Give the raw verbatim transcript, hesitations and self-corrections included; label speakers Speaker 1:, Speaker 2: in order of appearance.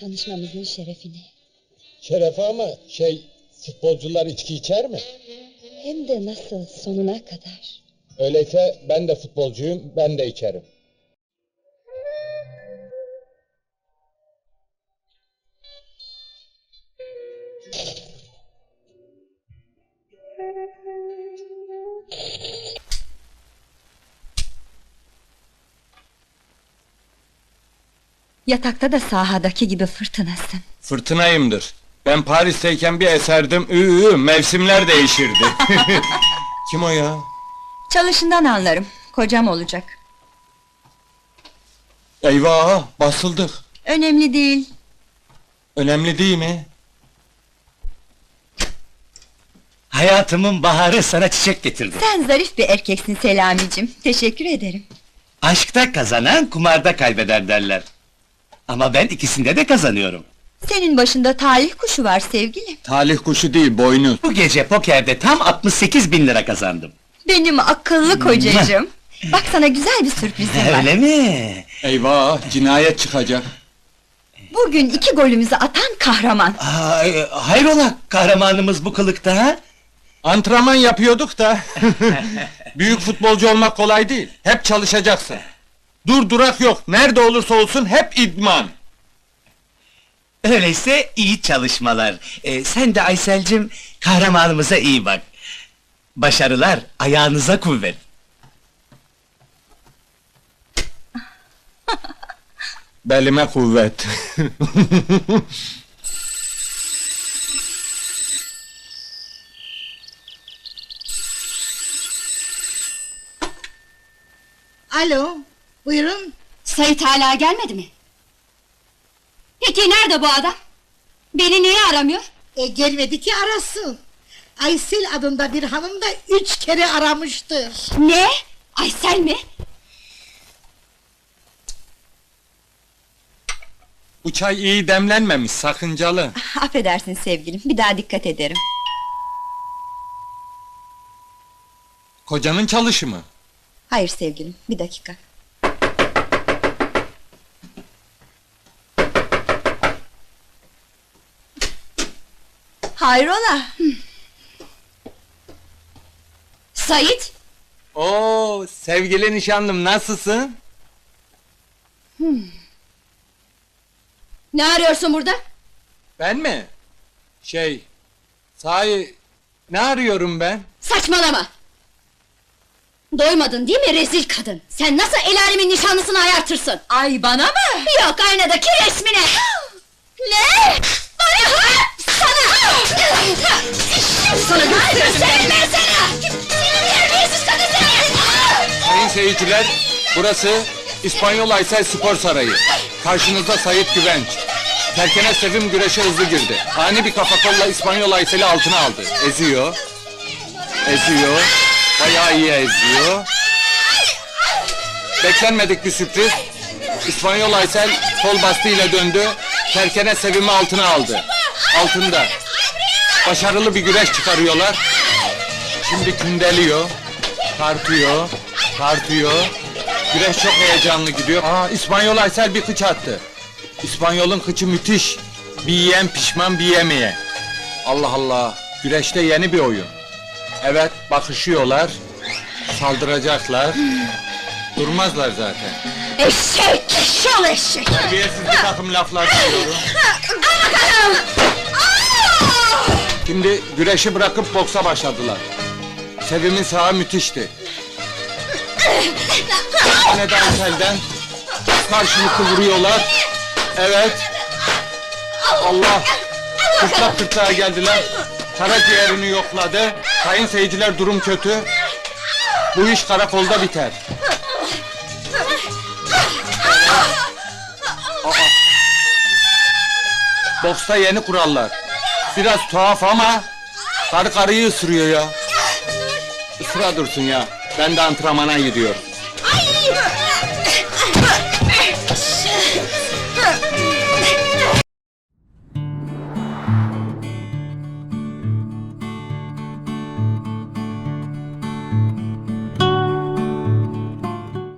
Speaker 1: Tanışmamızın şerefine.
Speaker 2: Şerefe ama şey, futbolcular içki içer mi?
Speaker 1: Hem de nasıl, sonuna kadar.
Speaker 2: Öyleyse ben de futbolcuyum, ben de içerim.
Speaker 1: Yatakta da sahadaki gibi fırtınasın.
Speaker 3: Fırtınayımdır. Ben Paris'teyken bir eserdim, ıı, mevsimler değişirdi. Kim o ya?
Speaker 1: Çalışından anlarım, kocam olacak.
Speaker 3: Eyvah, basıldık.
Speaker 1: Önemli değil.
Speaker 3: Önemli değil mi?
Speaker 4: Hayatımın baharı sana çiçek getirdi.
Speaker 1: Sen zarif bir erkeksin Selamicim, teşekkür ederim.
Speaker 4: Aşkta kazanan kumarda kaybeder derler. Ama ben ikisinde de kazanıyorum.
Speaker 1: Senin başında talih kuşu var sevgilim.
Speaker 3: Talih kuşu değil, boynuz.
Speaker 4: Bu gece pokerde tam altmış sekiz bin lira kazandım.
Speaker 1: Benim akıllı kocacığım. Bak sana güzel bir sürprizim var.
Speaker 4: Öyle mi?
Speaker 3: Eyvah, cinayet çıkacak.
Speaker 1: Bugün iki golümüzü atan kahraman.
Speaker 4: Aa, e, hayrola kahramanımız bu kılıkta ha?
Speaker 3: Antrenman yapıyorduk da. Büyük futbolcu olmak kolay değil. Hep çalışacaksın. Dur durak yok. Nerede olursa olsun hep idman.
Speaker 4: Öyleyse iyi çalışmalar. Ee, sen de Aysel'cim kahramanımıza iyi bak. Başarılar, ayağınıza kuvvet.
Speaker 3: Belime kuvvet.
Speaker 5: Alo, buyurun.
Speaker 6: Sait hala gelmedi mi? Peki nerede bu adam? Beni niye aramıyor?
Speaker 5: E gelmedi ki arasın. Aysel adında bir hanım da üç kere aramıştır.
Speaker 6: Ne? Aysel mi?
Speaker 3: Bu çay iyi demlenmemiş, sakıncalı.
Speaker 1: Affedersin sevgilim, bir daha dikkat ederim.
Speaker 3: Kocanın çalışı mı?
Speaker 1: Hayır sevgilim, bir dakika. Hayrola?
Speaker 6: Sait?
Speaker 3: Oo, sevgili nişanlım, nasılsın?
Speaker 6: Ne arıyorsun burada?
Speaker 3: Ben mi? Şey, sahi, ne arıyorum ben?
Speaker 6: Saçmalama! Doymadın değil mi rezil kadın? Sen nasıl el alemin nişanlısını ayartırsın?
Speaker 1: Ay bana mı?
Speaker 6: Yok aynadaki resmine! Ne? Bana ha! Sana! Sana gösteririm ben sana! Seni terbiyesiz kadın seni!
Speaker 3: Sayın seyirciler, burası İspanyol Aysel Spor Sarayı. Karşınızda Sait Güvenç. Terkene Sevim güreşe hızlı girdi. Ani bir kafa kolla İspanyol Aysel'i altına aldı. Eziyor. Eziyor. Bayağı iyi eziyor. Beklenmedik bir sürpriz. İspanyol Aysel kol bastığıyla döndü. Terkene Sevim'i altına aldı. Altında. Başarılı bir güreş çıkarıyorlar. Şimdi kündeliyor. Tartıyor. Tartıyor. Güreş çok heyecanlı gidiyor. Aa, İspanyol Aysel bir kıç attı. İspanyol'un kıçı müthiş. Bir yiyen pişman, bir yemeye. Allah Allah. Güreşte yeni bir oyun. Evet, bakışıyorlar. Saldıracaklar. Durmazlar zaten.
Speaker 6: Eşek! Şol eşek!
Speaker 3: Terbiyesiz bir takım laflar duyuyorum. Şimdi güreşi bırakıp boksa başladılar. Sevim'in sağı müthişti. Yine de Aysel'den karşılıklı vuruyorlar. Evet. Allah! Kırtlak kırtlağa geldiler. Karaciğerini yokladı. Sayın seyirciler, durum kötü. Bu iş karakolda biter. Aa. Boksta yeni kurallar. Biraz tuhaf ama karı karıyı ısırıyor ya. Isıra dursun ya. Ben de antrenmana gidiyorum.